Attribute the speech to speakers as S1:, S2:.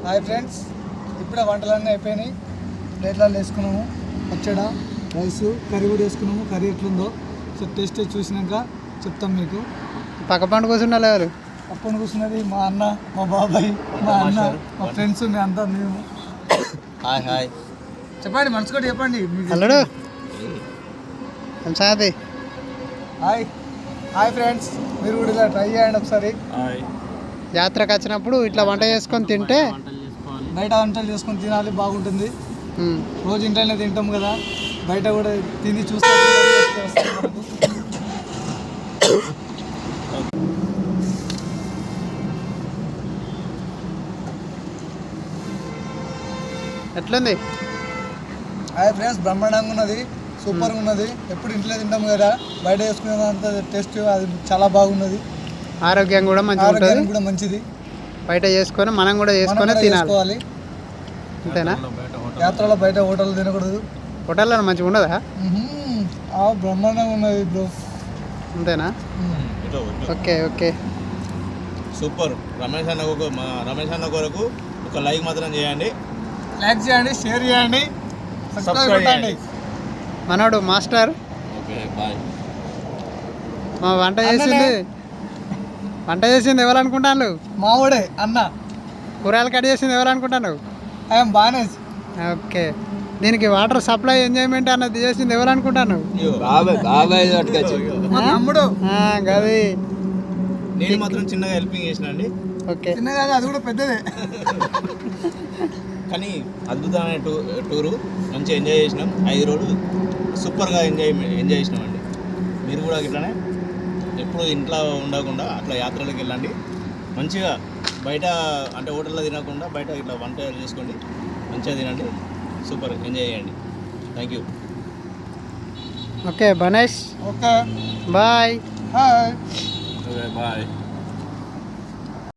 S1: Hi friends, ఇప్పుడే వంటలన్నీ అయిపోయినాయి. ప్లేట్లలో వేసుకున్నాము. పచ్చడి, రైస్, కర్రీ కూడా వేసుకున్నాము. కర్రీ ఎట్లుందో సో టేస్ట్ చూసినాక చెప్తాం మీకు.
S2: పక్క పండు కూర్చుండాలి ఎవరు?
S1: పక్కన కూర్చున్నది మా అన్న, మా బాబాయ్, మా అన్న, మా ఫ్రెండ్స్, మీ అంతా మేము.
S3: హాయ్ హాయ్
S1: చెప్పండి, మనసుకోటి చెప్పండి.
S2: అల్లుడు సంగతి.
S1: హాయ్ హాయ్ ఫ్రెండ్స్, మీరు కూడా ఇలా ట్రై చేయండి ఒకసారి.
S2: యాత్రకు వచ్చినప్పుడు ఇట్లా వంట చేసుకొని తింటే
S1: బయట వంటలు చేసుకొని తినాలి, బాగుంటుంది. రోజు ఇంట్లోనే తింటాం కదా, బయట కూడా తిని చూస్తే
S2: ఎట్లుంది?
S1: హాయ్ ఫ్రెండ్స్, బ్రహ్మాండంగా ఉన్నది, సూపర్గా ఉన్నది. ఎప్పుడు ఇంట్లో తింటాం కదా, బయట చేసుకునేంత టేస్ట్ అది చాలా బాగున్నది.
S2: ఆరోగ్యం కూడా మంచిగా ఉంటుంది,
S1: ఆరోగ్యానికి కూడా మంచిది.
S2: బయట చేసుకొని మనం కూడా చేసుకొని తినాలి. అంతేనా?
S1: యాత్రలో బయట హోటల్ తినకూడదు.
S2: హోటల్లో మంచిగా ఉండదా?
S1: బ్రహ్మాండంగా ఉన్నది బ్రో.
S2: అంతేనా? Okay okay,
S3: super. రమేష్ అన్న కొరకు ఒక లైక్ మాత్రం చేయండి,
S1: లైక్ చేయండి, షేర్ చేయండి, సబ్స్క్రైబ్ చేయండి.
S2: మనోడు మాస్టర్.
S3: Okay bye.
S2: మా వంట చేసింది ఎవరు అనుకుంటాను?
S1: మావాడే అన్న.
S2: కూరగాయలు కట్ చేసింది ఎవరు అనుకుంటాను?
S1: ఐఎమ్ బానేజ్.
S2: ఓకే, దీనికి వాటర్ సప్లై ఎంజాయ్మెంట్ అన్నది చేసింది ఎవరు అనుకుంటాను?
S1: మా తమ్ముడు.
S2: గది
S3: నేను మాత్రం చిన్నగా హెల్పింగ్ చేసిన అండి.
S2: ఓకే,
S1: చిన్నగా అది కూడా పెద్దదే.
S3: కానీ అద్భుతమైన టూరు, మంచిగా ఎంజాయ్ చేసినాం. 5 రోజులు సూపర్గా ఎంజాయ్ చేసినాం అండి. మీరు కూడా ఇట్లానే ఎప్పుడు ఇంట్లో ఉండకుండా అట్లా యాత్రలకు వెళ్ళండి. మంచిగా బయట అంటే హోటల్లో తినకుండా బయట ఇట్లా వంట చేసుకోండి, మంచిగా తినండి, సూపర్ ఎంజాయ్ చేయండి. Thank you.
S2: Okay Banesh,
S1: okay
S2: bye.
S1: Hi.
S3: Okay bye.